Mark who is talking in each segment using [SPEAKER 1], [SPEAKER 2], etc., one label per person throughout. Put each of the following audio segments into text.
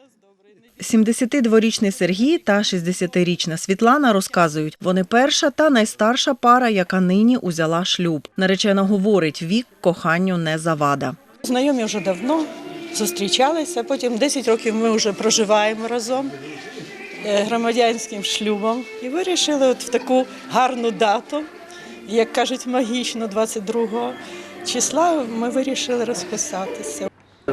[SPEAKER 1] 72-річний Сергій та 60-річна Світлана розказують, вони перша та найстарша пара, яка нині узяла шлюб. Наречена говорить, вік коханню не завада.
[SPEAKER 2] Знайомі вже давно, зустрічалися, потім 10 років ми вже проживаємо разом громадянським шлюбом. І вирішили от в таку гарну дату, як кажуть, магічну, 22 числа, ми вирішили розписатися.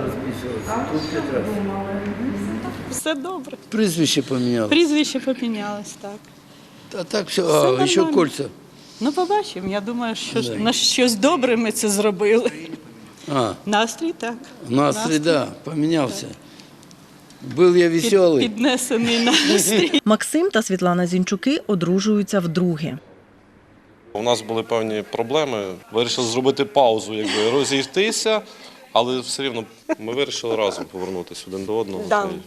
[SPEAKER 2] Все добре.
[SPEAKER 3] Прізвище помінялося.
[SPEAKER 2] Прізвище помінялось, так.
[SPEAKER 3] А так все,
[SPEAKER 2] Все
[SPEAKER 3] ще
[SPEAKER 2] нормально.
[SPEAKER 3] кольця.
[SPEAKER 2] Ну, побачимо. Я думаю, що на щось добре ми це зробили. Настрій, так.
[SPEAKER 3] Настрій, да, помінявся. Був я веселий.
[SPEAKER 2] Піднесений настрій.
[SPEAKER 1] Максим та Світлана Зінчуки одружуються вдруге.
[SPEAKER 4] У нас були певні проблеми. Вирішили зробити паузу, розійтися, але все рівно ми вирішили разом повернутися один до одного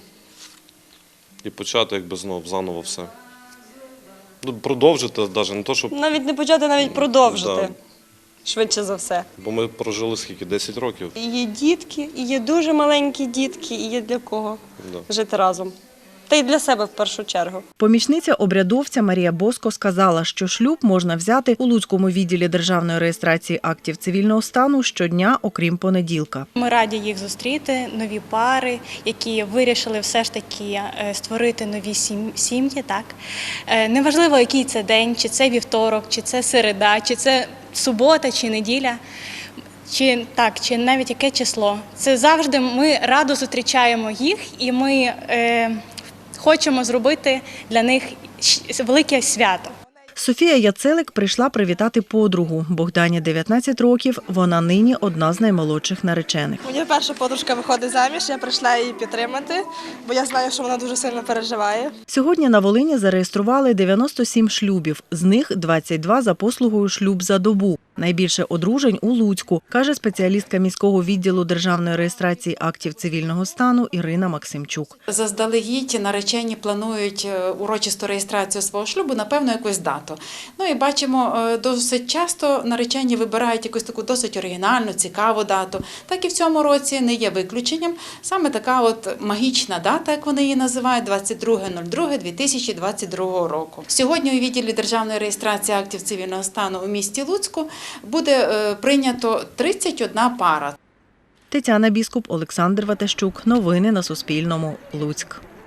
[SPEAKER 4] і почати знов заново все. Продовжити навіть, не то, щоб...
[SPEAKER 5] Навіть не почати, навіть продовжити.
[SPEAKER 4] Да.
[SPEAKER 5] Швидше за все.
[SPEAKER 4] Бо ми прожили скільки? 10 років.
[SPEAKER 5] І є дітки, і є дуже маленькі дітки, і є для кого жити разом. Та й для себе в першу чергу.
[SPEAKER 1] Помічниця обрядовця Марія Боско сказала, що шлюб можна взяти у Луцькому відділі державної реєстрації актів цивільного стану щодня, окрім понеділка.
[SPEAKER 6] Ми раді їх зустріти, нові пари, які вирішили все ж таки створити нові сім'ї. Так? Неважливо, який це день, чи це вівторок, чи це середа, чи це субота, чи неділя. Чи навіть яке число. Це завжди ми радо зустрічаємо їх, і ми хочемо зробити для них велике свято.
[SPEAKER 1] Софія Яцелик прийшла привітати подругу. Богдані 19 років, вона нині одна з наймолодших наречених.
[SPEAKER 7] Моя перша подружка виходить заміж, я прийшла її підтримати, бо я знаю, що вона дуже сильно переживає.
[SPEAKER 1] Сьогодні на Волині зареєстрували 97 шлюбів, з них 22 за послугою «Шлюб за добу». Найбільше одружень у Луцьку, каже спеціалістка міського відділу державної реєстрації актів цивільного стану Ірина Максимчук.
[SPEAKER 8] Заздалегідь наречені планують урочисту реєстрацію свого шлюбу на певну якусь дату. Ну і бачимо, досить часто наречені вибирають якусь таку досить оригінальну, цікаву дату. Так і в цьому році не є виключенням. Саме така от магічна дата, як вони її називають, 22.02.2022 року. Сьогодні у відділі державної реєстрації актів цивільного стану у місті Луцьку буде прийнято 31 пара.
[SPEAKER 1] Тетяна Біскуп, Олександр Ватащук. Новини на Суспільному. Луцьк.